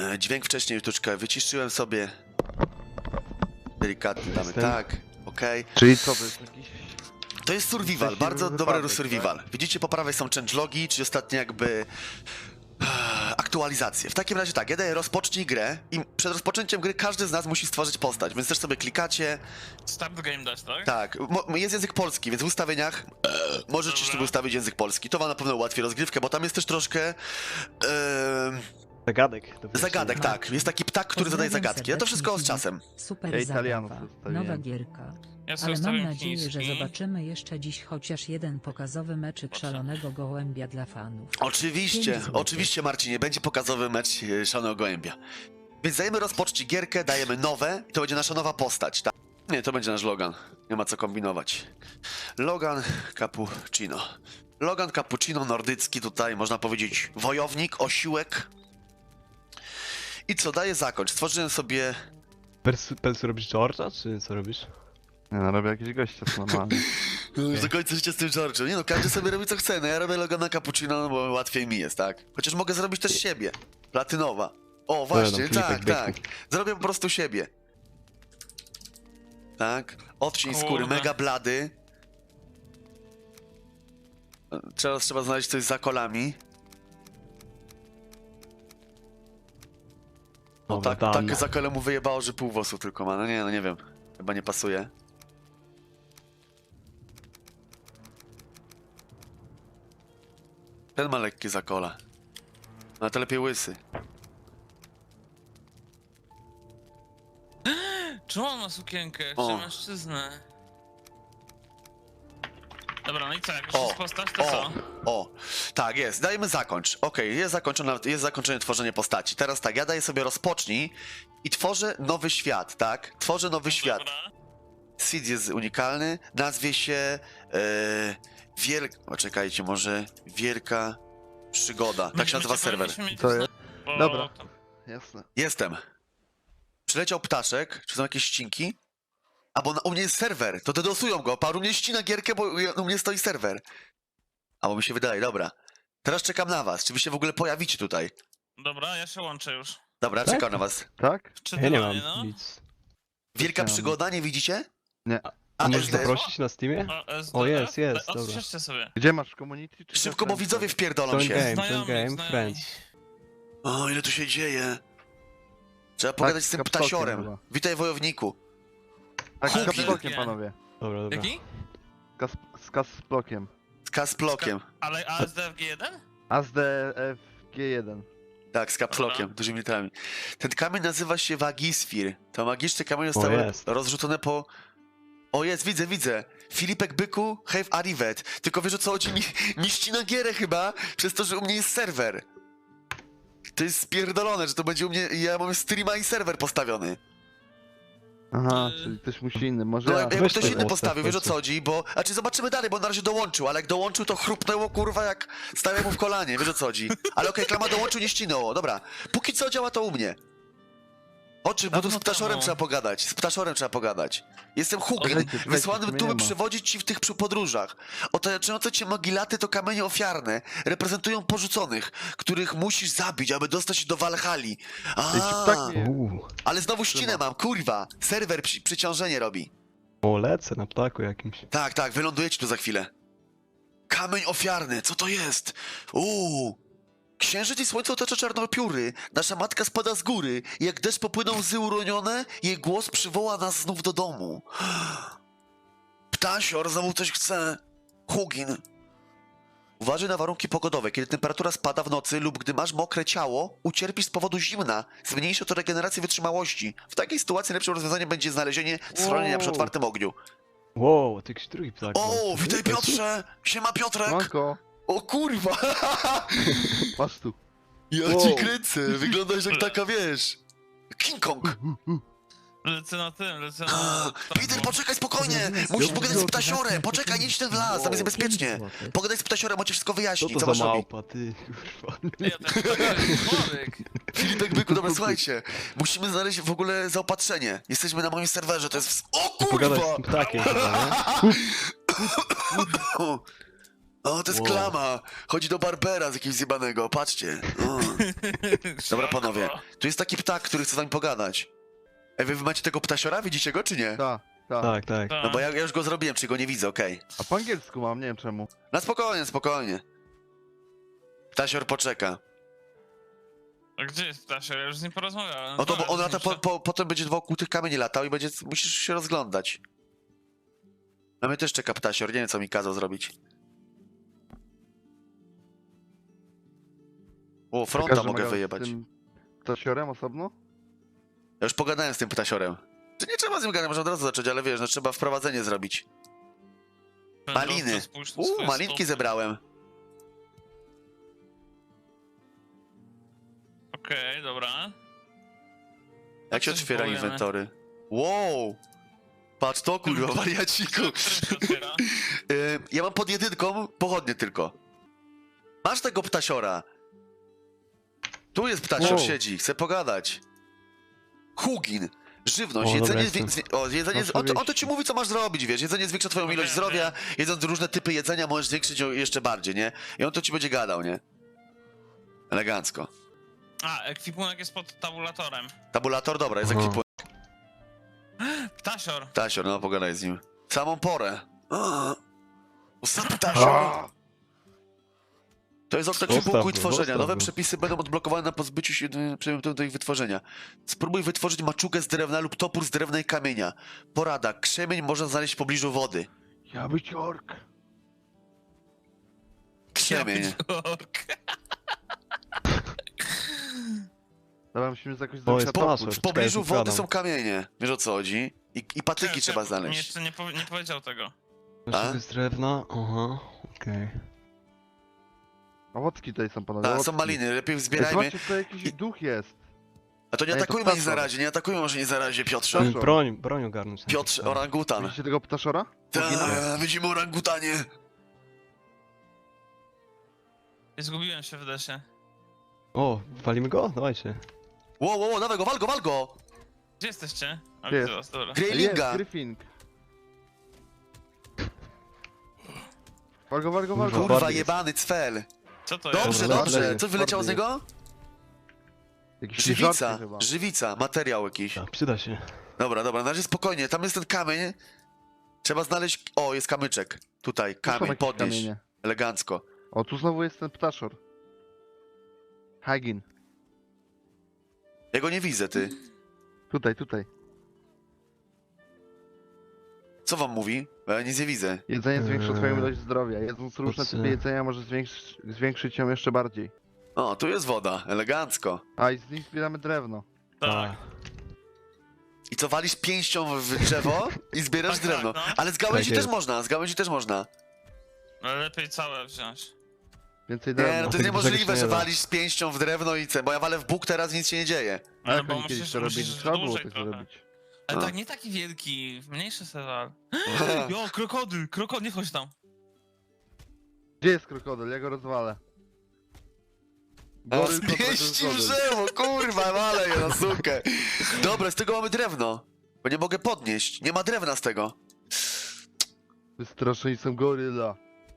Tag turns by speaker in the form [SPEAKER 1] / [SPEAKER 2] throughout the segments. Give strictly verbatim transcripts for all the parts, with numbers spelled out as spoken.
[SPEAKER 1] E, dźwięk wcześniej troszeczkę wyciszyłem sobie. Delikatnie damy
[SPEAKER 2] Jestem.
[SPEAKER 1] tak, okej.
[SPEAKER 2] Czyli co, to jest jakiś...
[SPEAKER 1] To jest survival,
[SPEAKER 2] Szczęśliwy
[SPEAKER 1] bardzo
[SPEAKER 2] wypadek,
[SPEAKER 1] dobry survival. Widzicie, po prawej są changelogi, czyli ostatnie jakby e, aktualizacje. W takim razie tak, ja daję rozpocznij grę i przed rozpoczęciem gry każdy z nas musi stworzyć postać, więc też sobie klikacie.
[SPEAKER 3] Start game dać, tak?
[SPEAKER 1] Tak, mo- jest język polski, więc w ustawieniach e, możecie
[SPEAKER 3] Dobra.
[SPEAKER 1] sobie ustawić język polski. To wam na pewno ułatwi rozgrywkę, bo tam jest też troszkę e,
[SPEAKER 4] Zagadek. do
[SPEAKER 1] zagadek,
[SPEAKER 4] wyjaśnienia.
[SPEAKER 1] tak. Jest taki ptak, który zadaje
[SPEAKER 5] Pozdrawiam
[SPEAKER 1] zagadki, a to wszystko z
[SPEAKER 5] serdecznie,
[SPEAKER 1] czasem.
[SPEAKER 5] Super
[SPEAKER 2] Ja Italianów
[SPEAKER 5] zabawa,
[SPEAKER 2] zostawiłem.
[SPEAKER 5] nowa gierka.
[SPEAKER 3] Ja sobie
[SPEAKER 5] Ale mam
[SPEAKER 3] ustawiam
[SPEAKER 5] nadzieję, że
[SPEAKER 3] chiński.
[SPEAKER 5] zobaczymy jeszcze dziś chociaż jeden pokazowy meczyk szalonego gołębia dla fanów.
[SPEAKER 1] Oczywiście,
[SPEAKER 5] Pięć złotych.
[SPEAKER 1] oczywiście Marcinie, będzie pokazowy mecz e, Szalonego Gołębia. Więc dajemy rozpocznij gierkę, dajemy nowe i to będzie nasza nowa postać, tak? Nie, to będzie nasz Logan, nie ma co kombinować. Logan Cappuccino. Logan Cappuccino, nordycki tutaj, można powiedzieć, wojownik, osiłek. I co, daję zakończ. Stworzyłem sobie...
[SPEAKER 4] Persu, Persu robisz George'a, czy co robisz?
[SPEAKER 2] Nie no, robię jakiegoś gościa, co normalnie.
[SPEAKER 1] Okay. Do końca życia z tym George'em. Nie no, każdy sobie robi co chce. No ja robię Logana Cappuccino, no bo łatwiej mi jest, tak? Chociaż mogę zrobić też siebie. Platynowa. O, właśnie,
[SPEAKER 4] Filipek
[SPEAKER 1] tak,
[SPEAKER 4] Byku.
[SPEAKER 1] tak. Zrobię po prostu siebie. Tak. Odcień
[SPEAKER 3] Kurde.
[SPEAKER 1] skóry, mega blady. Teraz trzeba znaleźć coś za kolami. No
[SPEAKER 4] Dobra,
[SPEAKER 1] tak,
[SPEAKER 4] dam.
[SPEAKER 1] tak za kolę mu wyjebało, że pół włosu tylko ma. No nie, no nie wiem. Chyba nie pasuje. Ten ma lekkie zakola. No to lepiej łysy.
[SPEAKER 3] Czemu on ma sukienkę?
[SPEAKER 1] O.
[SPEAKER 3] Czy mężczyznę? Dobra, no i co, jak już
[SPEAKER 1] O,
[SPEAKER 3] jest postać, to
[SPEAKER 1] o,
[SPEAKER 3] co?
[SPEAKER 1] o, tak jest, dajemy zakończ. Okej, jest zakończone, jest zakończone tworzenie postaci. Teraz tak, ja daję sobie rozpocznij i tworzę nowy świat, tak? Tworzę nowy świat.
[SPEAKER 3] Dobra.
[SPEAKER 1] Seed jest unikalny, nazwie się e, Wiel... O, czekajcie, może Wielka Przygoda, tak się nazywa
[SPEAKER 3] Myśmy
[SPEAKER 1] serwer.
[SPEAKER 3] powinniśmy mieć
[SPEAKER 2] To
[SPEAKER 3] zna-
[SPEAKER 2] jest-
[SPEAKER 3] bo
[SPEAKER 2] Dobra.
[SPEAKER 3] to-
[SPEAKER 2] Jasne.
[SPEAKER 1] Jestem. Przyleciał ptaszek, czy są jakieś ścinki? A bo na, u mnie jest serwer, to dedosują go, paru mnie ścina gierkę, bo ja- u mnie stoi serwer. A bo mi się wydaje, dobra. Teraz czekam na was, czy wy się w ogóle pojawicie tutaj?
[SPEAKER 3] Dobra, ja się łączę już.
[SPEAKER 1] Dobra,
[SPEAKER 4] Tak?
[SPEAKER 1] czekam na was.
[SPEAKER 2] Tak?
[SPEAKER 3] Czy
[SPEAKER 4] Ja nie
[SPEAKER 3] ty,
[SPEAKER 4] mam
[SPEAKER 3] no?
[SPEAKER 4] nic.
[SPEAKER 1] Wielka
[SPEAKER 2] Chciałem.
[SPEAKER 1] Przygoda, nie widzicie?
[SPEAKER 2] Nie.
[SPEAKER 1] A,
[SPEAKER 4] A możesz
[SPEAKER 1] S D F?
[SPEAKER 4] zaprosić na Steamie?
[SPEAKER 3] O, S D,
[SPEAKER 4] O, jest, jest,
[SPEAKER 3] tak?
[SPEAKER 4] dobra.
[SPEAKER 3] Odświeżcie sobie.
[SPEAKER 2] Gdzie masz community? Czy
[SPEAKER 1] Szybko, bo
[SPEAKER 2] preference?
[SPEAKER 1] widzowie wpierdolą
[SPEAKER 4] Join
[SPEAKER 1] się.
[SPEAKER 4] game, join
[SPEAKER 3] Znajomi,
[SPEAKER 4] game,
[SPEAKER 3] znajomi.
[SPEAKER 4] friends.
[SPEAKER 1] O, ile tu się dzieje. Trzeba pogadać z tym
[SPEAKER 2] z kapstokiem
[SPEAKER 1] ptasiorem.
[SPEAKER 2] chyba.
[SPEAKER 1] Witaj, wojowniku.
[SPEAKER 2] Tak, z
[SPEAKER 1] Hugi.
[SPEAKER 2] kapslokiem, panowie.
[SPEAKER 4] Dobra, dobra.
[SPEAKER 3] Jaki?
[SPEAKER 2] Z kas- Z kasplokiem.
[SPEAKER 1] Z kasplokiem.
[SPEAKER 3] Ale A S D F G jeden?
[SPEAKER 2] A Z D F G jeden.
[SPEAKER 1] Tak, z kapslokiem,
[SPEAKER 3] Dobra.
[SPEAKER 1] dużymi literami. Ten kamień nazywa się Wagisfir. To magiczne kamienie
[SPEAKER 4] O,
[SPEAKER 1] zostały
[SPEAKER 4] jest.
[SPEAKER 1] rozrzucone po... O, jest, widzę, widzę. Filipek Byku, have arrivet. Tylko wiesz o co chodzi? Mi, mi ścina gierę chyba, przez to, że u mnie jest serwer. To jest spierdolone, że to będzie u mnie... Ja mam streama i serwer postawiony.
[SPEAKER 2] Aha,
[SPEAKER 3] Y-
[SPEAKER 2] czyli ktoś musi inny. Może
[SPEAKER 1] No,
[SPEAKER 2] ja.
[SPEAKER 1] jakby
[SPEAKER 4] weź
[SPEAKER 1] ktoś
[SPEAKER 4] to
[SPEAKER 1] inny
[SPEAKER 4] ustaw
[SPEAKER 1] postawił, wiesz o
[SPEAKER 4] końcu.
[SPEAKER 1] co chodzi, bo... A czy zobaczymy dalej, bo on na razie dołączył, ale jak dołączył, to chrupnęło, kurwa, jak stawiał mu w kolanie, wiesz o co chodzi. Ale okej, klama dołączył, nie ścinęło, dobra. Póki co działa to u mnie. Oczy, bo tu z
[SPEAKER 3] Dawno
[SPEAKER 1] ptaszorem
[SPEAKER 3] temu.
[SPEAKER 1] trzeba pogadać, z ptaszorem trzeba pogadać. Jestem Hugin,
[SPEAKER 2] Czekajcie, czekajcie,
[SPEAKER 1] wysłany
[SPEAKER 2] tu mnie
[SPEAKER 1] tu, by
[SPEAKER 2] nie ma.
[SPEAKER 1] przewodzić ci w tych przy- podróżach. Otaczające cię mogilaty to kamienie ofiarne, reprezentują porzuconych, których musisz zabić, aby dostać się do Walhali. A,
[SPEAKER 2] Ej, ci ptak mnie-
[SPEAKER 4] Uuu.
[SPEAKER 1] ale znowu ścinę mam, kurwa. Serwer przy, przyciążenie robi.
[SPEAKER 4] O, lecę na ptaku jakimś.
[SPEAKER 1] Tak, tak, wylądujecie tu za chwilę. Kamień ofiarny, co to jest? Uuu! Księżyc i słońce otacza czarnopióry. Nasza matka spada z góry. Jak deszcz popłyną łzy uronione, jej głos przywoła nas znów do domu. Ptasior znowu coś chce. Hugin. Uważaj na warunki pogodowe. Kiedy temperatura spada w nocy lub gdy masz mokre ciało, ucierpisz z powodu zimna. Zmniejszy to regenerację wytrzymałości. W takiej sytuacji najlepszym rozwiązaniem będzie znalezienie schronienia przy
[SPEAKER 4] Wow.
[SPEAKER 1] otwartym ogniu.
[SPEAKER 4] Wow, ty jakiś drugi ptak.
[SPEAKER 1] O,
[SPEAKER 4] był.
[SPEAKER 1] witaj Piotrze! Siema Piotrek!
[SPEAKER 2] Manko,
[SPEAKER 1] O kurwa!
[SPEAKER 2] masz tu.
[SPEAKER 1] Ja
[SPEAKER 4] Wow.
[SPEAKER 1] ci kręcę, wyglądasz jak taka, wiesz... King Kong!
[SPEAKER 3] Lecę na tym, lecę
[SPEAKER 1] A,
[SPEAKER 3] na...
[SPEAKER 1] Peter, poczekaj spokojnie! Musisz pogadać z ptasiorem! Poczekaj, nie idź ten w las, tam jest bezpiecznie! Pogadaj z ptasiorem, on ci wszystko
[SPEAKER 4] Co
[SPEAKER 1] wyjaśni,
[SPEAKER 4] to
[SPEAKER 1] co
[SPEAKER 4] za
[SPEAKER 1] masz robić.
[SPEAKER 4] małpa, ty, kurwa.
[SPEAKER 3] Ja ten ptak jest chorek.
[SPEAKER 1] Filipek Byku, dobra, słuchajcie. Musimy znaleźć w ogóle zaopatrzenie. Jesteśmy na moim serwerze, to jest... w- O
[SPEAKER 4] Pogadać z
[SPEAKER 1] kurwa!
[SPEAKER 4] tym ptakiem chyba, nie?
[SPEAKER 1] O, to jest
[SPEAKER 4] Wow.
[SPEAKER 1] klama! Chodzi do Barbera z jakiegoś zjebanego, patrzcie. O. Dobra, panowie, tu jest taki ptak, który chce z nami pogadać. Ej, wy macie tego ptasiora? Widzicie go, czy nie?
[SPEAKER 2] Ta, ta.
[SPEAKER 4] Tak, tak.
[SPEAKER 1] No bo ja, ja już go zrobiłem, czy go nie widzę, okej.
[SPEAKER 2] A po angielsku mam, nie wiem czemu.
[SPEAKER 1] Na spokojnie, spokojnie. Ptasior poczeka.
[SPEAKER 3] A gdzie jest Ptasior? Ja już z nim porozmawiałem.
[SPEAKER 1] No to bo
[SPEAKER 3] Dobra,
[SPEAKER 1] on lata, po,
[SPEAKER 3] zniszczę.
[SPEAKER 1] po, potem będzie wokół tych kamieni latał i będzie, musisz się rozglądać. A mnie też czeka ptasior, nie wiem co mi kazał zrobić. O, fronta
[SPEAKER 2] Każdy
[SPEAKER 1] mogę
[SPEAKER 2] ma
[SPEAKER 1] wyjebać.
[SPEAKER 2] Z tym ptasiorem osobno?
[SPEAKER 1] Ja już pogadałem z tym ptasiorem. To nie trzeba z nim gadać, można od razu zacząć, ale wiesz, no trzeba wprowadzenie zrobić. Maliny.
[SPEAKER 3] Wędrowca, spójrz na
[SPEAKER 1] Uuu,
[SPEAKER 3] swoje
[SPEAKER 1] malinki
[SPEAKER 3] stopy.
[SPEAKER 1] zebrałem.
[SPEAKER 3] Okej, dobra.
[SPEAKER 1] Jak się
[SPEAKER 3] coś
[SPEAKER 1] otwiera
[SPEAKER 3] powiemy.
[SPEAKER 1] inwentory? Wow! Patrz to, kurwa, wariaciku.
[SPEAKER 3] Którym się otwiera?
[SPEAKER 1] Y, ja mam pod jedynką pochodnie tylko. Masz tego ptasiora. Tu jest ptasior,
[SPEAKER 4] Wow.
[SPEAKER 1] siedzi, chce pogadać. Hugin. Żywność,
[SPEAKER 4] O, dobra,
[SPEAKER 1] jedzenie, zwię...
[SPEAKER 4] jestem.
[SPEAKER 1] zwię- o, jedzenie
[SPEAKER 4] Proszę
[SPEAKER 1] on, to, on to
[SPEAKER 4] wyjść.
[SPEAKER 1] ci mówi, co masz zrobić, wiesz, jedzenie zwiększa twoją
[SPEAKER 3] No
[SPEAKER 1] ilość
[SPEAKER 3] wiem,
[SPEAKER 1] zdrowia,
[SPEAKER 3] wiem.
[SPEAKER 1] jedząc różne typy jedzenia możesz zwiększyć ją jeszcze bardziej, nie? I on to ci będzie gadał, nie? Elegancko.
[SPEAKER 3] A, ekwipunek jest pod tabulatorem.
[SPEAKER 1] Tabulator, dobra, jest
[SPEAKER 4] Aha.
[SPEAKER 1] ekwipunek.
[SPEAKER 3] Ptasior.
[SPEAKER 1] Ptasior, no pogadaj z nim. Samą porę. A, Ostatni ptasior. To jest okno
[SPEAKER 4] Zostaw
[SPEAKER 1] ekwipunku
[SPEAKER 4] go,
[SPEAKER 1] i tworzenia.
[SPEAKER 4] zostaw
[SPEAKER 1] Nowe
[SPEAKER 4] go.
[SPEAKER 1] przepisy będą odblokowane na pozbyciu się y, przedmiotu do ich wytworzenia. Spróbuj wytworzyć maczugę z drewna lub topór z drewna i kamienia. Porada. Krzemień można znaleźć w pobliżu wody.
[SPEAKER 2] Ja być ork.
[SPEAKER 1] Krzemień.
[SPEAKER 2] Dobra, musimy z jakoś
[SPEAKER 4] O,
[SPEAKER 2] zrobić
[SPEAKER 4] jest
[SPEAKER 2] na
[SPEAKER 4] password.
[SPEAKER 1] W
[SPEAKER 2] topór.
[SPEAKER 1] pobliżu
[SPEAKER 4] Czekaj,
[SPEAKER 1] wody
[SPEAKER 4] wkładam.
[SPEAKER 1] są kamienie. Wiesz o co chodzi? I, i patyki
[SPEAKER 3] Czekaj,
[SPEAKER 1] trzeba
[SPEAKER 3] czekaj,
[SPEAKER 1] znaleźć.
[SPEAKER 3] Jeszcze nie, powie, nie powiedział tego.
[SPEAKER 1] A?
[SPEAKER 4] To z drewna, aha, okej.
[SPEAKER 2] Owocki tutaj są panowie,
[SPEAKER 1] A,
[SPEAKER 2] owocki.
[SPEAKER 1] są maliny, lepiej
[SPEAKER 2] Ej,
[SPEAKER 1] zbierajmy.
[SPEAKER 2] zobaczcie, tutaj jakiś duch jest.
[SPEAKER 1] A to nie
[SPEAKER 2] Ej, to
[SPEAKER 1] atakujmy nic na
[SPEAKER 2] ptaszor.
[SPEAKER 1] razie, nie atakujmy może nie na razie, Piotrze.
[SPEAKER 2] Ptaszor.
[SPEAKER 4] Broń, broń ogarnąć.
[SPEAKER 1] Piotrze,
[SPEAKER 4] Tak.
[SPEAKER 1] orangutan.
[SPEAKER 2] Widzicie tego ptaszora?
[SPEAKER 1] Ta, widzimy orangutanie.
[SPEAKER 3] Zgubiłem się w desie.
[SPEAKER 4] O, walimy go? Dawajcie.
[SPEAKER 1] Ło, ło, ło, dawaj go, wal go, wal go!
[SPEAKER 3] Gdzie jesteście? A,
[SPEAKER 2] Gdzie
[SPEAKER 3] widzę
[SPEAKER 2] jest?
[SPEAKER 3] was, dobra.
[SPEAKER 2] Jest,
[SPEAKER 1] Greylinga.
[SPEAKER 2] Gryfing. Walgo, walgo, walgo.
[SPEAKER 1] Kurwa,
[SPEAKER 4] Bardziej.
[SPEAKER 1] jebany cfel.
[SPEAKER 3] Co to
[SPEAKER 1] Dobrze,
[SPEAKER 3] jest?
[SPEAKER 4] Dobra,
[SPEAKER 1] dobrze.
[SPEAKER 4] lepiej.
[SPEAKER 1] Co wyleciało z
[SPEAKER 2] Bardziej.
[SPEAKER 1] niego?
[SPEAKER 2] Jakiś żarty
[SPEAKER 1] Żywica,
[SPEAKER 2] chyba.
[SPEAKER 1] żywica, materiał jakiś.
[SPEAKER 4] Tak, przyda się.
[SPEAKER 1] Dobra, dobra, na razie spokojnie, tam jest ten kamień. Trzeba znaleźć... O, jest kamyczek. Tutaj,
[SPEAKER 2] Tu są
[SPEAKER 1] kamień,
[SPEAKER 2] jakieś
[SPEAKER 1] podnieść.
[SPEAKER 2] kamienie.
[SPEAKER 1] Elegancko.
[SPEAKER 2] O, tu znowu jest ten ptaszor. Hagin.
[SPEAKER 1] Ja go nie widzę, ty.
[SPEAKER 2] Tutaj, tutaj.
[SPEAKER 1] Co wam mówi? Bo ja nic nie widzę.
[SPEAKER 2] Jedzenie zwiększa twoją
[SPEAKER 4] Eee,
[SPEAKER 2] ilość zdrowia. Jedząc różne
[SPEAKER 4] po co?
[SPEAKER 2] typy jedzenia może zwiększyć, zwiększyć ją jeszcze bardziej.
[SPEAKER 1] O, tu jest woda, elegancko.
[SPEAKER 2] A, i z nich zbieramy drewno.
[SPEAKER 3] Tak.
[SPEAKER 1] I co, walisz pięścią w drzewo i zbierasz
[SPEAKER 3] Tak,
[SPEAKER 1] drewno.
[SPEAKER 3] tak, no.
[SPEAKER 1] Ale z gałęzi
[SPEAKER 4] Tak
[SPEAKER 1] też
[SPEAKER 4] jest.
[SPEAKER 1] można, z gałęzi też można.
[SPEAKER 3] Ale lepiej całe wziąć.
[SPEAKER 2] Więcej
[SPEAKER 1] Nie, no
[SPEAKER 2] drewna.
[SPEAKER 1] to jest
[SPEAKER 4] Tych
[SPEAKER 1] niemożliwe,
[SPEAKER 4] brzegów
[SPEAKER 1] że
[SPEAKER 4] nie da.
[SPEAKER 1] walisz z pięścią w drewno i ce, bo ja walę w Bóg, teraz nic się nie dzieje.
[SPEAKER 2] A
[SPEAKER 3] No
[SPEAKER 2] jak
[SPEAKER 3] bo
[SPEAKER 2] oni kiedyś
[SPEAKER 3] musisz,
[SPEAKER 2] to robili?
[SPEAKER 3] musisz
[SPEAKER 2] Trzeba było
[SPEAKER 3] dłużej
[SPEAKER 2] tak
[SPEAKER 3] trochę.
[SPEAKER 2] zrobić.
[SPEAKER 3] Ale
[SPEAKER 1] A.
[SPEAKER 3] tak, nie taki wielki, mniejszy sewal. Jo, krokodyl, krokodyl, nie chodź tam.
[SPEAKER 2] Gdzie jest krokodyl? Ja go rozwalę.
[SPEAKER 1] A
[SPEAKER 2] Goryl kontra
[SPEAKER 1] zmieści w
[SPEAKER 2] krokodyl.
[SPEAKER 1] drzewo, kurwa, walę je na sukę. Dobra, z tego mamy drewno. Bo nie mogę podnieść, nie ma drewna z tego.
[SPEAKER 2] Wystraszeni są goryla.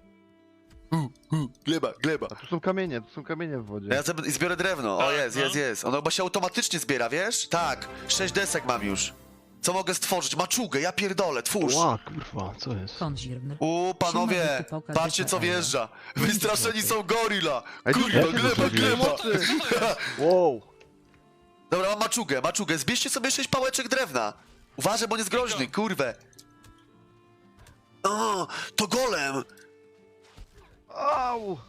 [SPEAKER 1] Gleba, gleba.
[SPEAKER 2] A tu są kamienie, tu są kamienie w wodzie.
[SPEAKER 1] Ja sobie zbiorę drewno. O,
[SPEAKER 3] Tak,
[SPEAKER 1] jest,
[SPEAKER 3] no.
[SPEAKER 1] jest, jest. Ono chyba się automatycznie zbiera, wiesz? Tak, sześć desek mam już. Co mogę stworzyć? Maczugę, ja pierdolę, twórz.
[SPEAKER 4] Ła, kurwa, co jest?
[SPEAKER 5] Konzirm.
[SPEAKER 1] U, panowie,
[SPEAKER 5] Siema, Wiku,
[SPEAKER 1] patrzcie co
[SPEAKER 5] pokaż
[SPEAKER 1] wjeżdża. Wystraszeni są gorilla.
[SPEAKER 2] Ej, tu
[SPEAKER 1] Kurwa,
[SPEAKER 2] jest
[SPEAKER 1] gleba,
[SPEAKER 2] coś
[SPEAKER 1] gleba.
[SPEAKER 2] mocy.
[SPEAKER 4] Wow!
[SPEAKER 1] Dobra, mam maczugę, maczugę. Zbierzcie sobie sześć pałeczek drewna. Uważaj, bo on jest groźny, kurwę. O, to golem.
[SPEAKER 2] Au!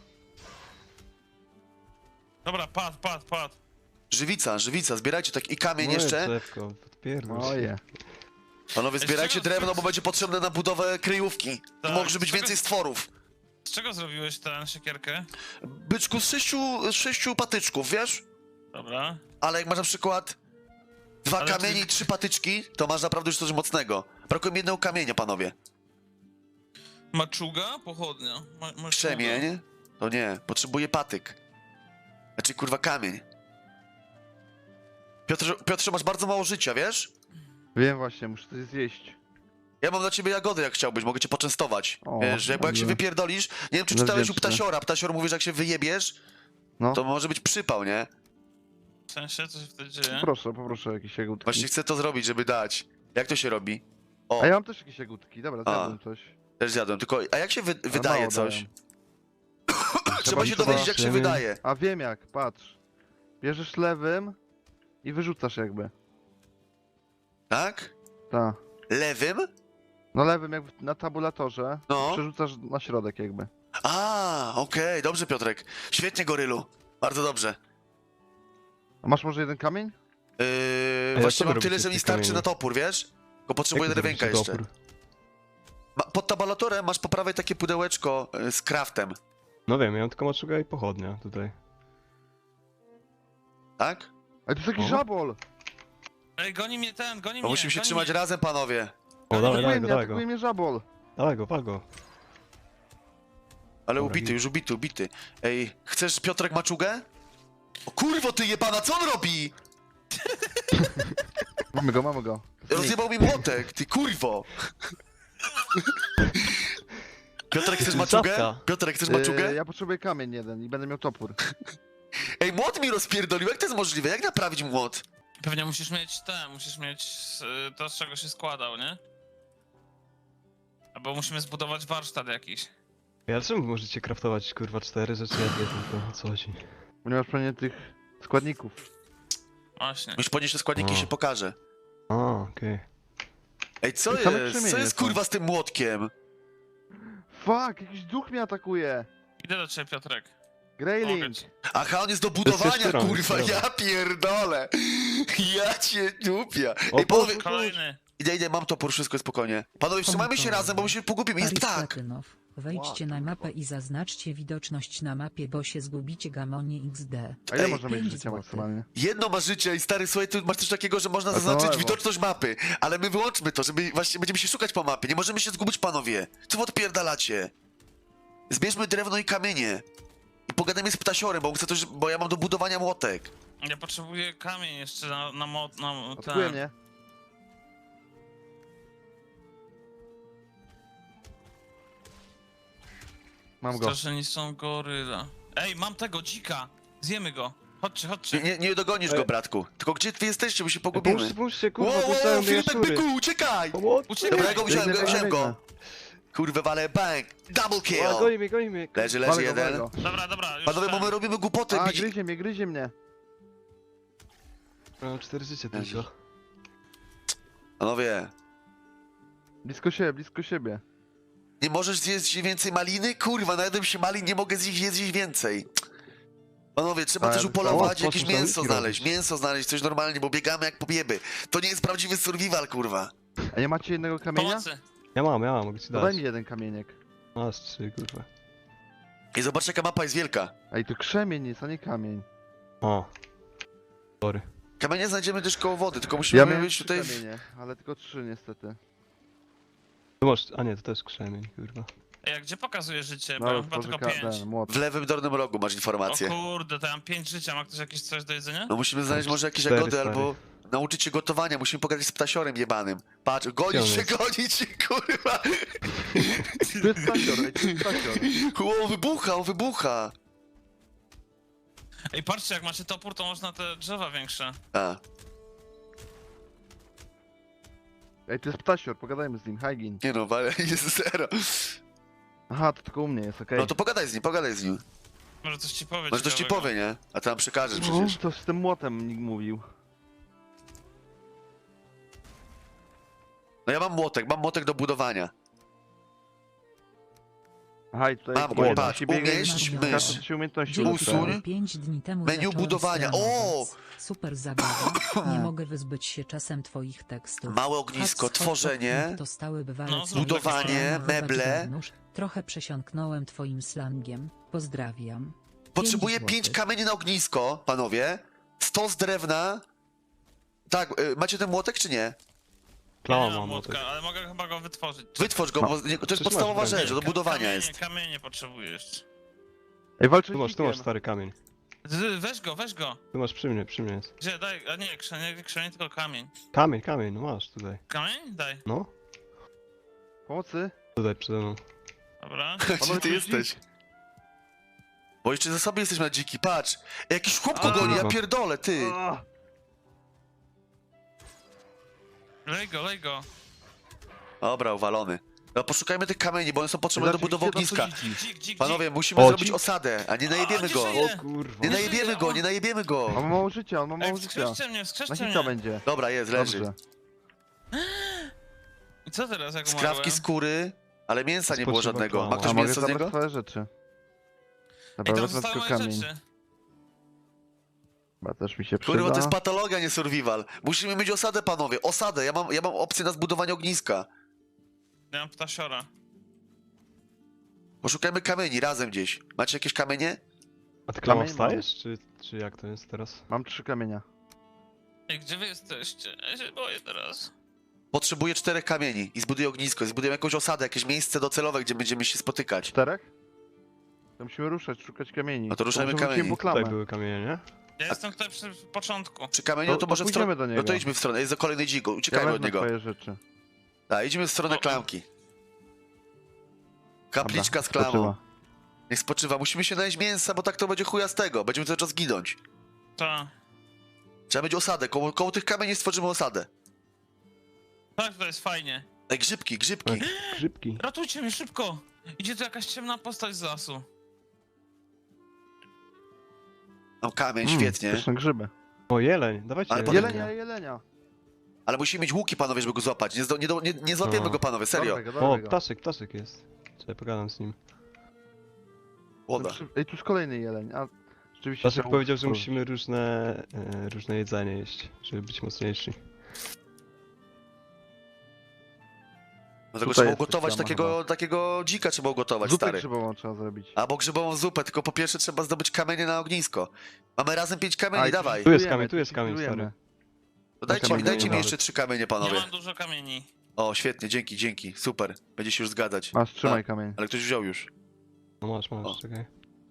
[SPEAKER 3] Dobra, pad, pad, pad.
[SPEAKER 1] Żywica, żywica, zbierajcie tak i kamień
[SPEAKER 4] Moje
[SPEAKER 1] jeszcze.
[SPEAKER 4] drzewko, odpierdol się.
[SPEAKER 2] Moje.
[SPEAKER 1] Panowie,
[SPEAKER 3] Ej,
[SPEAKER 1] zbierajcie
[SPEAKER 3] z czego-
[SPEAKER 1] drewno, bo będzie potrzebne na budowę kryjówki.
[SPEAKER 3] Tak,
[SPEAKER 1] Może być
[SPEAKER 3] z czego-
[SPEAKER 1] więcej stworów.
[SPEAKER 3] Z czego zrobiłeś tę siekierkę?
[SPEAKER 1] Byczku, z sześciu, z sześciu patyczków, wiesz?
[SPEAKER 3] Dobra.
[SPEAKER 1] Ale jak masz na przykład dwa
[SPEAKER 3] Ale
[SPEAKER 1] kamienie
[SPEAKER 3] ty-
[SPEAKER 1] i trzy patyczki, to masz naprawdę już coś mocnego. Brakuje mi jednego kamienia, panowie.
[SPEAKER 3] Maczuga? Pochodnia. Ma, maczuga.
[SPEAKER 1] Krzemień? To nie, potrzebuję patyk. Znaczy, kurwa, kamień. Piotrze, Piotrze, masz bardzo mało życia, wiesz?
[SPEAKER 2] Wiem właśnie, muszę coś zjeść.
[SPEAKER 1] Ja mam dla ciebie jagody, jak chciałbyś, mogę cię poczęstować.
[SPEAKER 2] O,
[SPEAKER 1] Wiesz, bo jak się
[SPEAKER 2] dobrze.
[SPEAKER 1] wypierdolisz, nie wiem, czy
[SPEAKER 2] Będę
[SPEAKER 1] czytałeś u
[SPEAKER 2] wdzięczny.
[SPEAKER 1] Ptasiora, Ptasior mówi, że jak się wyjebiesz,
[SPEAKER 2] No.
[SPEAKER 1] to może być przypał, nie?
[SPEAKER 3] W sensie, co się wtedy dzieje?
[SPEAKER 2] Proszę, poproszę jakieś jagódki.
[SPEAKER 1] Właśnie chcę to zrobić, żeby dać. Jak to się robi? O,
[SPEAKER 2] A ja mam też jakieś jagódki, dobra,
[SPEAKER 1] A.
[SPEAKER 2] zjadłem coś.
[SPEAKER 1] też zjadłem, tylko, a jak się wy
[SPEAKER 2] Ale
[SPEAKER 1] wydaje
[SPEAKER 2] mało
[SPEAKER 1] coś?
[SPEAKER 2] dają.
[SPEAKER 1] Trzeba się
[SPEAKER 2] trzeba-
[SPEAKER 1] dowiedzieć, jak się
[SPEAKER 4] Zobaczymy.
[SPEAKER 1] wydaje.
[SPEAKER 2] A wiem jak, patrz. Bierzesz lewym i wyrzucasz jakby.
[SPEAKER 1] Tak?
[SPEAKER 2] Ta.
[SPEAKER 1] Lewym?
[SPEAKER 2] No lewym jak w- na tabulatorze,
[SPEAKER 1] No.
[SPEAKER 2] przerzucasz na środek jakby.
[SPEAKER 1] A, okej, dobrze, Piotrek. Świetnie, gorylu. Bardzo dobrze.
[SPEAKER 2] A masz może jeden kamień?
[SPEAKER 1] Yy,
[SPEAKER 4] co
[SPEAKER 1] właśnie
[SPEAKER 4] wy
[SPEAKER 1] mam
[SPEAKER 4] robicie
[SPEAKER 1] tyle,
[SPEAKER 4] z
[SPEAKER 1] że mi
[SPEAKER 4] tych
[SPEAKER 1] starczy
[SPEAKER 4] kamieni?
[SPEAKER 1] na topór, wiesz? Tylko potrzebuję
[SPEAKER 4] Jak wy
[SPEAKER 1] drewienka
[SPEAKER 4] zrobicie
[SPEAKER 1] jeszcze.
[SPEAKER 4] topór?
[SPEAKER 1] Ma, pod tabulatorem masz po prawej takie pudełeczko y, z craftem,
[SPEAKER 4] No wiem, ja mam tylko maczuga i pochodnia tutaj.
[SPEAKER 1] tak?
[SPEAKER 2] Ale to jest jakiś
[SPEAKER 4] O.
[SPEAKER 2] żabol!
[SPEAKER 3] Ej, goni mnie ten, goni
[SPEAKER 1] Bo
[SPEAKER 3] mnie,
[SPEAKER 1] musimy się
[SPEAKER 3] goni
[SPEAKER 1] trzymać
[SPEAKER 3] mnie.
[SPEAKER 1] razem, panowie.
[SPEAKER 4] O,
[SPEAKER 3] Ale
[SPEAKER 4] dawaj,
[SPEAKER 2] Atakuje
[SPEAKER 4] dawaj go,
[SPEAKER 2] mnie,
[SPEAKER 4] dawaj go.
[SPEAKER 2] atakuje mnie żabol!
[SPEAKER 4] Dawaj go, wal go.
[SPEAKER 1] Ale
[SPEAKER 4] Dobra,
[SPEAKER 1] ubity,
[SPEAKER 4] git.
[SPEAKER 1] już ubity, ubity. Ej, chcesz Piotrek maczugę? O kurwo, ty jebana, co on robi?
[SPEAKER 2] Mamy go, mamy go.
[SPEAKER 1] Rozjebał mi młotek, ty kurwo. Piotrek, chcesz maczugę?
[SPEAKER 4] Czapka.
[SPEAKER 1] Piotrek, chcesz
[SPEAKER 2] Yy,
[SPEAKER 1] maczugę?
[SPEAKER 2] ja potrzebuję kamień jeden i będę miał topór.
[SPEAKER 1] Ej, młot mi rozpierdolił, jak to jest możliwe? Jak naprawić młot?
[SPEAKER 3] Pewnie musisz mieć te, musisz mieć y, to, z czego się składał, nie? Albo musimy zbudować warsztat jakiś.
[SPEAKER 4] Ja czemu możecie craftować kurwa cztery rzeczy, ja dwie tylko, o co chodzi?
[SPEAKER 2] Bo nie masz pewnie tych składników.
[SPEAKER 3] Właśnie.
[SPEAKER 1] Już podnieś te składniki i
[SPEAKER 4] O.
[SPEAKER 1] się pokaże.
[SPEAKER 4] A, okej.
[SPEAKER 1] Ej, co
[SPEAKER 2] I same
[SPEAKER 1] jest? Co
[SPEAKER 2] krzemienie
[SPEAKER 1] jest
[SPEAKER 2] są.
[SPEAKER 1] kurwa z tym młotkiem?
[SPEAKER 2] Fuck, jakiś duch mnie atakuje!
[SPEAKER 3] Idę do ciebie, Piotrek. Mogę
[SPEAKER 2] Greyling!
[SPEAKER 3] ci.
[SPEAKER 1] Aha, on jest do
[SPEAKER 4] jest
[SPEAKER 1] budowania,
[SPEAKER 4] jeszcze rąk,
[SPEAKER 1] kurwa,
[SPEAKER 4] dobra.
[SPEAKER 1] ja pierdolę. Ja cię dupia.
[SPEAKER 4] O,
[SPEAKER 1] Ej, panowie,
[SPEAKER 3] Kolejny.
[SPEAKER 1] idę, idę, mam topór, wszystko jest spokojnie. Panowie, trzymajmy się razem, bo my się pogubimy, jest
[SPEAKER 5] Paris
[SPEAKER 1] ptak.
[SPEAKER 5] Platynow. Wejdźcie na mapę i zaznaczcie widoczność na mapie, bo się zgubicie gamonie X D.
[SPEAKER 2] A ile
[SPEAKER 1] Ej,
[SPEAKER 2] można mieć
[SPEAKER 5] pięć
[SPEAKER 2] życia
[SPEAKER 5] złotych.
[SPEAKER 2] maksymalnie?
[SPEAKER 1] Jedno ma życie i stary, słuchaj, tu masz coś takiego, że można
[SPEAKER 2] A to
[SPEAKER 1] zaznaczyć
[SPEAKER 2] lewo.
[SPEAKER 1] widoczność mapy, ale my wyłączmy to, żeby właśnie będziemy się szukać po mapie, nie możemy się zgubić, panowie. Co wy odpierdalacie? Zbierzmy drewno i kamienie. I pogadajmy z ptasiorem, bo chcę coś, bo ja mam do budowania młotek.
[SPEAKER 3] Ja potrzebuję kamień jeszcze na, na mod, na
[SPEAKER 2] Atakuje
[SPEAKER 3] ten.
[SPEAKER 2] mnie. Mam go.
[SPEAKER 3] Straszeni są goryla. Ej, mam tego dzika! Zjemy go! Chodźcie, chodźcie.
[SPEAKER 1] Nie, nie, nie dogonisz
[SPEAKER 4] Ej.
[SPEAKER 1] go, bratku. Tylko gdzie wy jesteście, bo się
[SPEAKER 4] Ej,
[SPEAKER 1] pogubimy.
[SPEAKER 4] Pomóżcie, pomóżcie, kurwa,
[SPEAKER 1] Wow, wow,
[SPEAKER 4] puszczają mnie
[SPEAKER 1] Filipek
[SPEAKER 4] jaszczury.
[SPEAKER 1] byku, uciekaj!
[SPEAKER 4] Pomoc!
[SPEAKER 3] Uciekaj!
[SPEAKER 1] Dobra, ja go wziąłem, go,
[SPEAKER 2] Biegnę,
[SPEAKER 1] wziąłem
[SPEAKER 2] biegnę.
[SPEAKER 1] go. Kurwa, wale, bang! Double
[SPEAKER 4] O,
[SPEAKER 1] kill!
[SPEAKER 4] goni mnie, goni mnie.
[SPEAKER 1] Leży, leży
[SPEAKER 2] Walę go, walę
[SPEAKER 1] jeden.
[SPEAKER 2] go.
[SPEAKER 3] Dobra, dobra, już
[SPEAKER 1] Panowie,
[SPEAKER 3] ten.
[SPEAKER 1] bo my robimy głupotę.
[SPEAKER 2] A,
[SPEAKER 1] bici-
[SPEAKER 2] gryzie mnie, gryzie mnie.
[SPEAKER 4] Mam cztery życie
[SPEAKER 1] Leży.
[SPEAKER 4] tylko.
[SPEAKER 1] Panowie,
[SPEAKER 2] Blisko siebie, blisko siebie.
[SPEAKER 1] nie możesz zjeść więcej maliny? Kurwa, najadłem się malin, nie mogę zjeść, zjeść więcej. Panowie, trzeba
[SPEAKER 2] Ale
[SPEAKER 1] też
[SPEAKER 2] to-
[SPEAKER 1] upolować,
[SPEAKER 4] o,
[SPEAKER 1] jakieś
[SPEAKER 4] po co
[SPEAKER 1] mięso
[SPEAKER 4] zamki
[SPEAKER 1] znaleźć,
[SPEAKER 4] robisz?
[SPEAKER 1] mięso znaleźć, coś normalnie, bo biegamy jak pobieby. To nie jest prawdziwy survival, kurwa.
[SPEAKER 2] A nie macie jednego kamienia?
[SPEAKER 3] Pomocy!
[SPEAKER 4] Ja mam, ja mam, mogę ci
[SPEAKER 2] To daj
[SPEAKER 4] dać.
[SPEAKER 2] mi jeden kamieniek.
[SPEAKER 4] Masz trzy, kurwa.
[SPEAKER 1] I zobacz, jaka mapa jest wielka.
[SPEAKER 2] Ej, to krzemień jest, a nie kamień.
[SPEAKER 4] O. Sorry.
[SPEAKER 1] Kamienie znajdziemy też koło wody, tylko musimy
[SPEAKER 2] Ja miałem
[SPEAKER 1] być
[SPEAKER 2] trzy
[SPEAKER 1] tutaj... W...
[SPEAKER 2] kamienie, ale tylko trzy niestety.
[SPEAKER 4] Tu masz, a nie, to też krzemień, kurwa.
[SPEAKER 3] Ej, a gdzie pokazuje życie? Bo
[SPEAKER 2] No,
[SPEAKER 3] ja
[SPEAKER 2] już
[SPEAKER 3] mam chyba
[SPEAKER 2] może
[SPEAKER 3] tylko
[SPEAKER 2] ka-
[SPEAKER 3] pięć.
[SPEAKER 2] ten, młot.
[SPEAKER 1] w lewym dolnym rogu masz
[SPEAKER 3] O
[SPEAKER 1] informację.
[SPEAKER 3] kurde, to ja mam pięć życia, ma ktoś jakieś coś do jedzenia?
[SPEAKER 1] No musimy znaleźć może jakieś
[SPEAKER 4] Cztery,
[SPEAKER 1] jagody
[SPEAKER 4] stary.
[SPEAKER 1] albo nauczyć się gotowania, musimy pogadać z ptasiorem jebanym. Patrz, gonić
[SPEAKER 4] Gdzie
[SPEAKER 1] się,
[SPEAKER 4] on jest?
[SPEAKER 1] gonić się, kurwa!
[SPEAKER 2] Tu jest stasior, ej, tu jest stasior.
[SPEAKER 1] O, wybucha, on wybucha!
[SPEAKER 3] Ej, patrzcie, jak macie topór, to można te drzewa większe.
[SPEAKER 1] A,
[SPEAKER 2] Ej, tu jest ptasior, pogadajmy z nim, Hygin.
[SPEAKER 1] nie no, ale jest zero.
[SPEAKER 2] Aha, to tylko u mnie jest, okej.
[SPEAKER 1] No to pogadaj z nim, pogadaj z nim.
[SPEAKER 3] Może coś ci powie
[SPEAKER 1] Może coś ci
[SPEAKER 3] ciekawego.
[SPEAKER 1] powie, nie? A ty nam przekażesz
[SPEAKER 2] No,
[SPEAKER 1] przecież.
[SPEAKER 2] to z tym młotem nikt mówił.
[SPEAKER 1] No ja mam młotek, mam młotek do budowania.
[SPEAKER 2] Aha, i tutaj...
[SPEAKER 1] Mam go,
[SPEAKER 2] jeden
[SPEAKER 1] patrz,
[SPEAKER 2] ci biega i
[SPEAKER 1] umieść
[SPEAKER 2] każdy
[SPEAKER 1] mysz.
[SPEAKER 2] się umiejętności
[SPEAKER 5] Dzień
[SPEAKER 1] Usuń.
[SPEAKER 2] uzyskuje.
[SPEAKER 5] pięć dni temu
[SPEAKER 1] Menu
[SPEAKER 5] zacząłem
[SPEAKER 1] budowania. O!
[SPEAKER 5] streamować. Super zabawa. Nie mogę wyzbyć się czasem twoich tekstów.
[SPEAKER 1] Małe ognisko,
[SPEAKER 5] Hot spot,
[SPEAKER 1] tworzenie,
[SPEAKER 5] To stały bywalec.
[SPEAKER 3] No, zrób
[SPEAKER 1] budowanie,
[SPEAKER 3] takie
[SPEAKER 5] Chować
[SPEAKER 1] meble.
[SPEAKER 5] wewnątrz. Trochę przesiąknąłem twoim slangiem. Pozdrawiam.
[SPEAKER 1] Potrzebuję
[SPEAKER 5] Pięć
[SPEAKER 1] pięć
[SPEAKER 5] złotych.
[SPEAKER 1] kamieni na ognisko, panowie. Sto z drewna. Tak, y, macie ten młotek czy nie?
[SPEAKER 3] Ja
[SPEAKER 4] Klała
[SPEAKER 3] nie mam
[SPEAKER 4] mam
[SPEAKER 3] młotka,
[SPEAKER 4] młotek.
[SPEAKER 3] ale mogę chyba go wytworzyć.
[SPEAKER 1] Wytwórz go, bo nie- to jest
[SPEAKER 4] Przecież
[SPEAKER 1] podstawowa
[SPEAKER 4] masz
[SPEAKER 1] rzecz, do
[SPEAKER 3] Ka-
[SPEAKER 1] budowania
[SPEAKER 3] kamienie,
[SPEAKER 1] jest.
[SPEAKER 3] Kamienie potrzebujesz.
[SPEAKER 2] Ej, walczę
[SPEAKER 4] Tu masz, tu masz stary kamień.
[SPEAKER 3] Z- Weź go, weź go.
[SPEAKER 4] Tu masz przy mnie, przy mnie jest.
[SPEAKER 3] Gdzie, daj, a nie, krzenie, nie krzenie, tylko kamień.
[SPEAKER 4] Kamień, kamień, no masz tutaj.
[SPEAKER 3] Kamień? Daj.
[SPEAKER 4] No.
[SPEAKER 2] Pomocy?
[SPEAKER 4] Tutaj przede mną.
[SPEAKER 3] Dobra.
[SPEAKER 1] Gdzie
[SPEAKER 2] Panowie,
[SPEAKER 1] ty
[SPEAKER 2] to jest
[SPEAKER 1] jesteś? Bo jeszcze za sobie jesteśmy na dziki, patrz! Jakiś chłop go
[SPEAKER 3] A.
[SPEAKER 1] goni, ja pierdolę, ty!
[SPEAKER 2] A,
[SPEAKER 3] Lej go, lej go.
[SPEAKER 1] Dobra, uwalony. No poszukajmy tych kamieni, bo one są potrzebne do
[SPEAKER 2] Zobaczcie,
[SPEAKER 1] budowy
[SPEAKER 2] gdzie tam
[SPEAKER 1] ogniska.
[SPEAKER 2] są dziki.
[SPEAKER 3] Dzik, dzik,
[SPEAKER 1] Panowie,
[SPEAKER 3] dzik.
[SPEAKER 1] musimy
[SPEAKER 4] O,
[SPEAKER 1] zrobić
[SPEAKER 4] dzik.
[SPEAKER 1] osadę, a nie
[SPEAKER 3] A,
[SPEAKER 1] najebiemy
[SPEAKER 3] nie
[SPEAKER 1] go.
[SPEAKER 3] żyje.
[SPEAKER 4] O kurwa.
[SPEAKER 1] Nie
[SPEAKER 3] Nie
[SPEAKER 1] najebiemy
[SPEAKER 3] żyje,
[SPEAKER 1] go,
[SPEAKER 3] o.
[SPEAKER 1] nie najebiemy go.
[SPEAKER 2] On ma mało życia, on ma mało
[SPEAKER 3] Ej,
[SPEAKER 2] życia.
[SPEAKER 3] wskrzeszcie mnie,
[SPEAKER 2] Na
[SPEAKER 3] wskrzeszcie
[SPEAKER 2] hita
[SPEAKER 3] mnie.
[SPEAKER 2] będzie.
[SPEAKER 1] Dobra, jest, leży.
[SPEAKER 2] Dobrze.
[SPEAKER 3] I co teraz, jak
[SPEAKER 1] Skrawki
[SPEAKER 3] umarłem?
[SPEAKER 1] skóry, ale mięsa nie było
[SPEAKER 4] Spoczywa
[SPEAKER 1] żadnego.
[SPEAKER 4] plama.
[SPEAKER 1] Ma
[SPEAKER 2] A
[SPEAKER 1] ktoś
[SPEAKER 2] mogę
[SPEAKER 1] mięso z
[SPEAKER 2] zabrać
[SPEAKER 1] niego?
[SPEAKER 2] twoje rzeczy.
[SPEAKER 3] Ej,
[SPEAKER 2] Dobra,
[SPEAKER 3] tam
[SPEAKER 2] wezmę
[SPEAKER 3] zostały
[SPEAKER 2] tylko
[SPEAKER 3] moje
[SPEAKER 2] kamień.
[SPEAKER 3] rzeczy.
[SPEAKER 2] Chyba też mi się przyda.
[SPEAKER 1] Kurwa, to jest patologia, nie survival. Musimy mieć osadę, panowie, osadę. Ja mam, ja mam opcję na zbudowanie ogniska.
[SPEAKER 3] Ja mam ptasiora.
[SPEAKER 1] Poszukajmy kamieni razem gdzieś. Macie jakieś kamienie?
[SPEAKER 4] A ty klama
[SPEAKER 2] Kamień
[SPEAKER 4] wstajesz, czy, czy jak to jest teraz?
[SPEAKER 2] Mam trzy kamienia.
[SPEAKER 3] Ej, gdzie wy jesteście? Ja się boję teraz.
[SPEAKER 1] Potrzebuję czterech kamieni i zbuduję ognisko. I zbudujemy jakąś osadę, jakieś miejsce docelowe, gdzie będziemy się spotykać.
[SPEAKER 2] Czterech? To musimy ruszać, szukać kamieni.
[SPEAKER 1] No to ruszajmy
[SPEAKER 2] może wrócimy
[SPEAKER 1] kamieni.
[SPEAKER 2] po
[SPEAKER 4] Tutaj
[SPEAKER 2] klamę.
[SPEAKER 4] były kamienie, nie?
[SPEAKER 3] Ja jestem tutaj przy początku.
[SPEAKER 1] Przy kamieniu
[SPEAKER 2] To-
[SPEAKER 1] to,
[SPEAKER 2] to
[SPEAKER 1] może w stronę...
[SPEAKER 2] pójdziemy do
[SPEAKER 1] No
[SPEAKER 2] niego.
[SPEAKER 1] to idźmy w stronę, jest za kolejny dzik,
[SPEAKER 2] Ja
[SPEAKER 1] uciekajmy od
[SPEAKER 2] wezmę
[SPEAKER 1] niego.
[SPEAKER 2] twoje rzeczy.
[SPEAKER 1] Tak, idziemy w stronę
[SPEAKER 3] O, o.
[SPEAKER 1] klamki. Kapliczka
[SPEAKER 2] Dobra,
[SPEAKER 1] z klamą.
[SPEAKER 2] spoczywa.
[SPEAKER 1] Niech spoczywa. Musimy się najeść mięsa, bo tak to będzie chuja z tego. Będziemy cały czas ginąć.
[SPEAKER 3] Ta.
[SPEAKER 1] Trzeba mieć osadę. Koło, koło tych kamieni stworzymy osadę.
[SPEAKER 3] Tak, to jest fajnie.
[SPEAKER 1] Ej, grzybki, grzybki.
[SPEAKER 4] Ej, grzybki.
[SPEAKER 3] Ratujcie mnie szybko! Idzie tu jakaś ciemna postać z lasu.
[SPEAKER 1] Mam kamień,
[SPEAKER 2] Mm,
[SPEAKER 1] świetnie.
[SPEAKER 2] pyszne grzyby.
[SPEAKER 4] O, jeleń, dawajcie
[SPEAKER 1] Ale
[SPEAKER 4] jelenia.
[SPEAKER 1] potem-
[SPEAKER 2] Jelenia, jelenia.
[SPEAKER 1] Ale musimy mieć łuki, panowie, żeby go złapać. Nie, zdo, nie, do, nie, nie złapiemy
[SPEAKER 4] No.
[SPEAKER 1] go, panowie, serio.
[SPEAKER 2] Dobrego,
[SPEAKER 4] O,
[SPEAKER 2] dobrego.
[SPEAKER 4] ptaszek, ptaszek jest. Czekaj, pogadam z nim.
[SPEAKER 1] Łoda.
[SPEAKER 2] Ej, tu jest kolejny jeleń, a rzeczywiście...
[SPEAKER 4] Ptaszek
[SPEAKER 2] trzeba
[SPEAKER 4] powiedział, że
[SPEAKER 2] stworzyć.
[SPEAKER 4] musimy różne, e, różne jedzenie jeść, żeby być mocniejsi.
[SPEAKER 1] Dlatego
[SPEAKER 2] Tutaj
[SPEAKER 1] trzeba
[SPEAKER 2] jest
[SPEAKER 1] ugotować
[SPEAKER 2] plama
[SPEAKER 1] takiego, takiego dzika, trzeba ugotować,
[SPEAKER 2] Zupę
[SPEAKER 1] stary.
[SPEAKER 2] grzybową trzeba zrobić.
[SPEAKER 1] Albo grzybową zupę, tylko po pierwsze trzeba zdobyć kamienie na ognisko. Mamy razem pięć kamieni,
[SPEAKER 2] A, i
[SPEAKER 1] dawaj.
[SPEAKER 2] tu
[SPEAKER 4] Tu jest
[SPEAKER 2] budujemy,
[SPEAKER 4] kamień, tu jest
[SPEAKER 2] tu
[SPEAKER 4] kamień,
[SPEAKER 2] budujemy.
[SPEAKER 4] stary.
[SPEAKER 1] To dajcie, mi,
[SPEAKER 2] kamienie
[SPEAKER 1] dajcie mi
[SPEAKER 4] nawet.
[SPEAKER 1] jeszcze trzy kamienie,
[SPEAKER 3] Nie
[SPEAKER 1] panowie.
[SPEAKER 3] mam dużo kamieni.
[SPEAKER 1] O, świetnie, dzięki, dzięki, super. Będzie się już zgadać.
[SPEAKER 2] Masz, trzymaj
[SPEAKER 1] A,
[SPEAKER 2] kamień.
[SPEAKER 1] Ale ktoś wziął już.
[SPEAKER 4] No masz, masz,
[SPEAKER 1] O.
[SPEAKER 4] czekaj.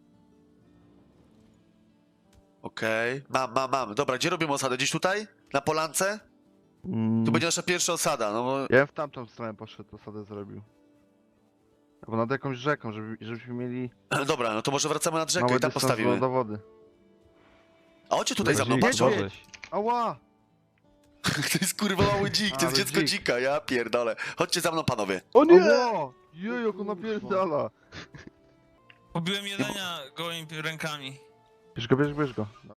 [SPEAKER 1] Okej, mam, mam, mam. Dobra, gdzie robimy osadę? Gdzieś tutaj? Na polance?
[SPEAKER 2] Mm,
[SPEAKER 1] Tu będzie nasza pierwsza osada, no bo...
[SPEAKER 2] Ja bym w tamtą stronę poszedł, osadę zrobił. Albo nad jakąś rzeką, żeby, żebyśmy mieli
[SPEAKER 1] Dobra, no to może wracamy nad rzekę
[SPEAKER 2] mały
[SPEAKER 1] i tam
[SPEAKER 2] dystans
[SPEAKER 1] postawimy.
[SPEAKER 2] do wody.
[SPEAKER 1] A chodźcie tutaj za mną,
[SPEAKER 4] Bardziej
[SPEAKER 1] patrz.
[SPEAKER 2] Jedzie.
[SPEAKER 4] wodę.
[SPEAKER 2] Ała!
[SPEAKER 1] To jest kurwa mały dzik, to
[SPEAKER 2] Ale
[SPEAKER 1] jest dziecko
[SPEAKER 2] dzik.
[SPEAKER 1] dzika, ja pierdolę. Chodźcie za mną, panowie.
[SPEAKER 4] O
[SPEAKER 2] Ała! Jej, jak on napierdala!
[SPEAKER 3] Pobiłem jelenia gołymi rękami.
[SPEAKER 2] Bierz go, bierz, bierz go.